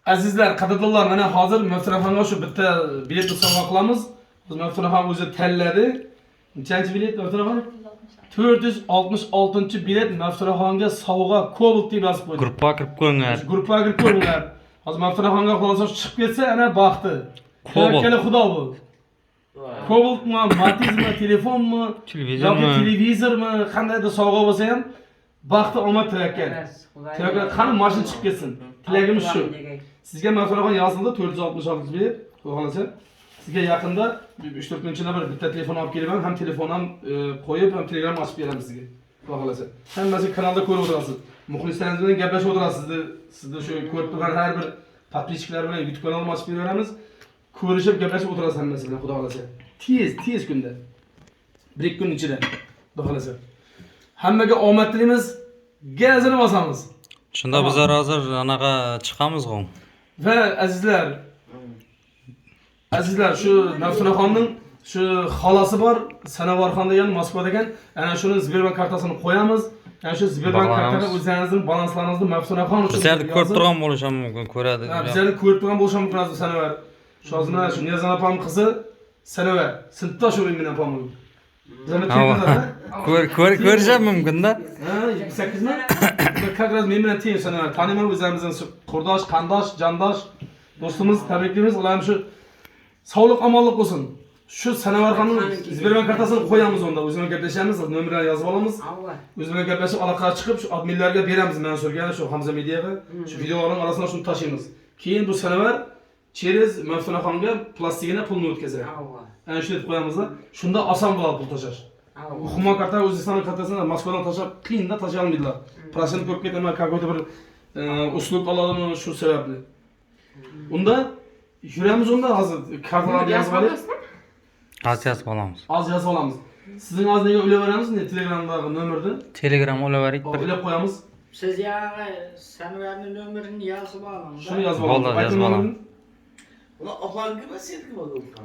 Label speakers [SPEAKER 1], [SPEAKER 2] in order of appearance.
[SPEAKER 1] Azizlar, qadrdonlar, mana hozir Maftunaxonga shu bitta biletni sovg'a qilamiz. Biz Maftunaxon o'zi tanladi. Nechanchi bilet Maftunaxon? 466-bilet Maftunaxonga sovg'a Cobalt deb yozib qo'ydi.
[SPEAKER 2] Gruppa kirib qo'yinglar.
[SPEAKER 1] Gruppaga kirib qo'yinglar. Hozir Maftunaxonga xulosa chiqib ketsa, ana baxti. Tawakkali Xudo bu. Cobaltmi, Matizmi, telefonmi,
[SPEAKER 2] Televizormi?
[SPEAKER 1] yoki televizormi, qandaydir sovg'a bo'lsa ham baxti omad tawakkal. Tawakkal qani mashina chiqib ketsin. Tilagimiz shu. Sizga Maftunaxon yozildi 466 bilet. Xudo xolasa sizga yaqinda 3-4 kun ichida bir bitta telefon olib kelaman, ham telefon ham qo'yib, ham Telegram ochib beramiz sizga. Xudo xolasa. Hammasi kanalda ko'rib o'tirasiz. Muxlislaringiz bilan gaplashib o'tirasiz. Sizni shu ko'rib turgan har bir podpischilar bilan YouTube kanalini ochib beramiz. Ko'rishib gaplashib o'tirasiz hammasi bilan, Xudo xolasa. Tez kunda. 1-2 kun ichida. Xudo xolasa. Hammaga omad tilaymiz. Gazini bosamiz.
[SPEAKER 2] Shunda bizlar hozir anaqa chiqamiz-ku.
[SPEAKER 1] Va azizlar shu Maftunaxonning shu xolasi bor, Sanovarxon degan Moskvada ekan. Ana shuni Sberbank kartasini qo'yamiz. Ana shu Sberbank kartaga o'zingizning balanslaringizni Maftunaxon uchun
[SPEAKER 2] Bizlarni ko'rib turgan bo'lishim mumkin, ko'radi.
[SPEAKER 1] Bizlarni ko'rib turgan bo'lishim mumkin aziz Sanovar. Shozima shu Niyozan opam qizi Sanovar, sinfdosh o'g'lim bilan opam. Bizlarni
[SPEAKER 2] Ko'rishim mumkin-da.
[SPEAKER 1] Ha, 28 mi? Как раз men bilan teng Sanovar. Taniyman o'zimizning qurdosh, qandosh, jandosh do'stimiz, tabriklaymiz. Ular shu sog'lik, omonlik bo'lsin. Shu Sanovarxonning Sberbank kartasini qo'yamiz onda. O'zimiz gaplashamiz, nomerni yozib olamiz. O'zimiz gaplashib aloqaga chiqib, shu adminlarga beramiz, Mansurga, shu Hamza Mediaga. Shu videolarning orasida shuni tashlaymiz. Keyin bu Sanovar через Maftunaxonga plastigina pulni o'tkazadi. Ana shu deb qo'yamizda, shunda oson bo'ladi pul tashlash. Hukumat karta O'zbekiston kartasini Moskvadan tashlab, qiyinda tashlay olmaydilar. Protsent ko'p ketaman, какой-то bir uslub oladimi shu sababli. Unda yuramiz unda hozir kartalarni yozib olamiz.
[SPEAKER 2] Aziyat olamiz.
[SPEAKER 1] Az yozib olamiz. Sizning og'zingizga o'laveramiz, Telegramdagi nomerni.
[SPEAKER 2] Telegram olaverik.
[SPEAKER 1] O'ylab qo'yamiz.
[SPEAKER 3] Siz yog'i Sanovarning nomerini yozib oling.
[SPEAKER 1] Shuni yozib olamiz.
[SPEAKER 2] Bo'ldi, yozib olaman.
[SPEAKER 4] Ular opangmi, seniki bo'ldi?